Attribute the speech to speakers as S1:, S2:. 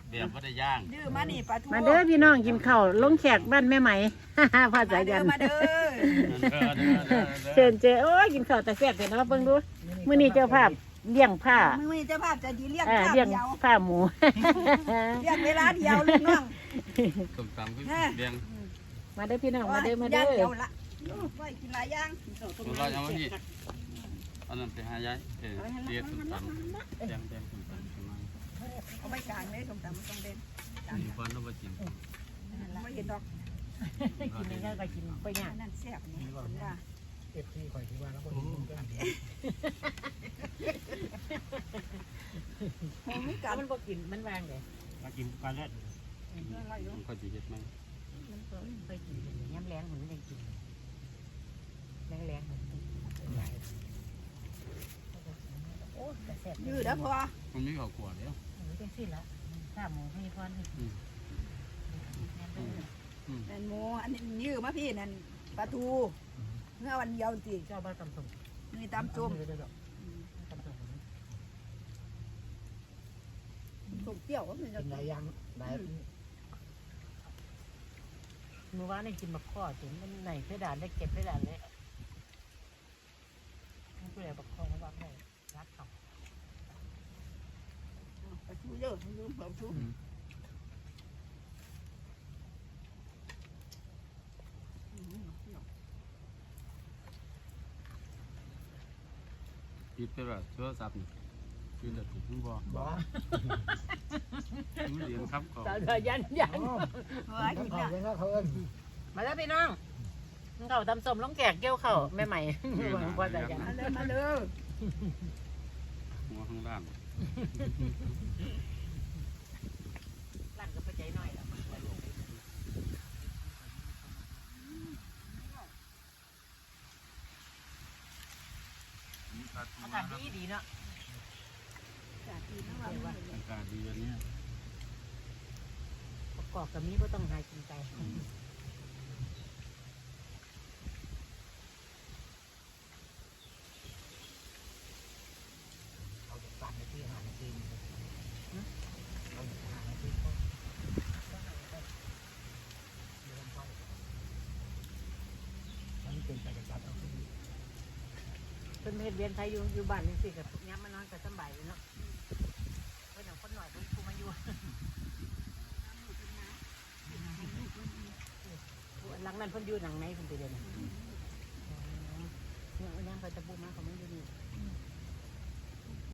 S1: แบบว่าได้ย่าง
S2: ดื้อมานี่ปลาทู
S3: มาเด้อพี่น้องกินข้าวลงแขกบ้านแม่ไหมพ่อสายัน
S2: มาเด้อ
S3: เชิญเจอโอ้ยกินข้าวแต่แซ่บเลยนะเบิ่งดูมื้อนี้เจ้าภาพเลี้ยงผ้า
S2: มือเจ้าภาพจะดีเลี้ยง
S3: เลี้ยง
S2: เดียว
S3: ผ้าหมู
S2: เลี้ยงเวลาเดียวลูกน้อง
S1: ต้มตำก็เลี้ยง
S3: มาเด้อพี่น้องมาเด้อมาเด้
S2: ย่างเดียว
S3: อ
S2: ละไว้กินหลายอย่าง
S1: เราเอาไว้ที่อันนั้นไปหายายเรียกต้มตำเลี้ยงต้มตำประมาณ
S2: เอาไว้กลางเลยสมตำมันต้องเด่น
S1: มีควันเราไปกิน
S2: ไม่เห็นดอก
S3: กินง่ายๆก็กินไปง่าย
S2: นั่นแซ่บนี่ว่า
S4: เก็บที่ข่อยที่ว่าแล้วก็กินกัน
S2: มีการ
S3: มันบ่กินมันวางเลย
S4: มากินปลาเลือด
S1: ต้องคอยจีเด็ดไหม
S3: มันก็ไปกินย้ำแรงมันไม่ได้กินแรงมันโอ้แต่แซ่บ
S2: ยืดแล้วพอ
S1: มันมีข้าวขวดเดียว
S3: จังซี่ละข้าวหมูมีพรนี่
S2: นั่นหมูอันนี้ยืดมาพี่นั่นปลาทูเมื่อวันเดียวสิ
S3: เจ้าบ้านตำส้ม
S2: มีตำจุ่ม
S3: ตำส้ม
S2: สุกเปรี้ยวก็มี
S4: กินหลายอย่างหลาย
S3: เมื่อวานนี่กินมะข้อถึงมันไหนเพดานได้เก็บเพดานเลยมันก็เลยบักข้อมาว่าให้รักเขา
S2: ปลาทูเยอะยืมปลาทู
S1: คิดไปแบบโทรศัพท์นี่คือเด็ดถึงบ่
S4: บ่
S1: ถึงเรียนครับก็
S3: สาวยัน
S2: เฮ้ยกิน
S4: เขา
S2: เนี่ย
S4: เป็นเขาเอิ้น
S3: มาแล้วพี่น้องเขาตำส้มล้องแกกเกี้ยวเขาแม่ใหม่หวังว่าจะยัน
S2: มาเลย
S1: หัวข้างล่าง
S3: หลังก็ไปใจหน่อยแล้วอากาศดีเนาะ
S1: อากาศดีวันนี้
S3: ประกอบกับนี้ก็ต้องหากินไก่
S4: เอาจากปั่นในที่หาในที่เอาจากหาในที่มันเป็นไปกับจัดเอาขึ้น
S3: เป็นเฮ็ดเวียนไทยอยู่บ้านนี่สิกับย้ำมานอนกับสบายเลยเนาะเพื่อนคนหน่อยเพื่อนกูมาอยู่หลังนั้นเพิ่นอยู่หลังไหนเพิ่นไปเดิน